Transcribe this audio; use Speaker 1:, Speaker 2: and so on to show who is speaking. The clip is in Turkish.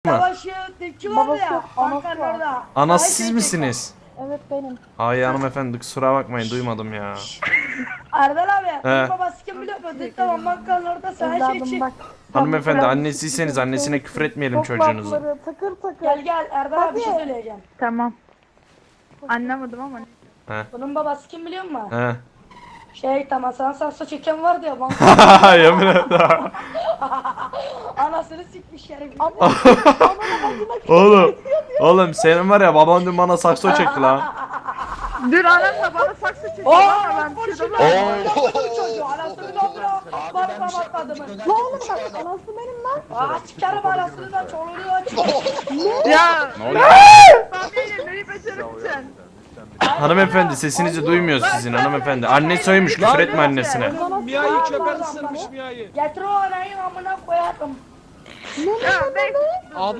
Speaker 1: Savaşı kim oldu
Speaker 2: Babası
Speaker 1: ya?
Speaker 2: yok, anası
Speaker 1: Bankanın
Speaker 2: var.
Speaker 1: orada.
Speaker 3: Anası
Speaker 1: Savaş
Speaker 3: siz
Speaker 1: edecek
Speaker 3: misiniz?
Speaker 2: Evet benim.
Speaker 3: Ay hanımefendi kusura bakmayın duymadım ya.
Speaker 1: ya. Erdal abi.
Speaker 3: He.
Speaker 1: Bunun babası kim biliyor musun? Tamam bankanın orada savaş
Speaker 2: Evladım
Speaker 1: edecek.
Speaker 2: bak.
Speaker 3: Hanımefendi
Speaker 2: Biraz
Speaker 3: annesiyseniz annesine küfür etmeyelim
Speaker 2: çok
Speaker 3: çocuğunuzu.
Speaker 2: lafları, takır takır.
Speaker 1: Gel gel Erdal abi bir şey
Speaker 2: Tabii.
Speaker 1: söyleyeceğim.
Speaker 4: Tamam. Anlamadım ama.
Speaker 3: He.
Speaker 1: Bunun babası kim biliyor musun?
Speaker 3: He.
Speaker 1: Tamam sana sakso çeken vardı ya banka.
Speaker 3: Yemin et.
Speaker 1: Anasını sikmiş herif.
Speaker 3: Oğlum senin var ya baban dün bana sakso çekti lan.
Speaker 4: Dur anamla bana saksı çekiyor
Speaker 1: Ooo
Speaker 4: ama ben bir
Speaker 1: polis
Speaker 4: şey
Speaker 1: şimdi
Speaker 4: demem.
Speaker 1: çocuğu anasını dolduruyor. Barına atladım.
Speaker 2: Ne oğlum bak anası benim lan.
Speaker 1: Aa çıkarım anasını da çoluğunu aç.
Speaker 4: Ya. Ben değilim neyi becerebileceksin?
Speaker 3: Hanımefendi sesinizi duymuyoruz sizin hanımefendi. Anne soymuş küfür etme annesine.
Speaker 5: Mia'yı çöpe ısırmış Mia'yı.
Speaker 1: Getir o anayı amına koyarım.
Speaker 4: Ya ben
Speaker 5: Abla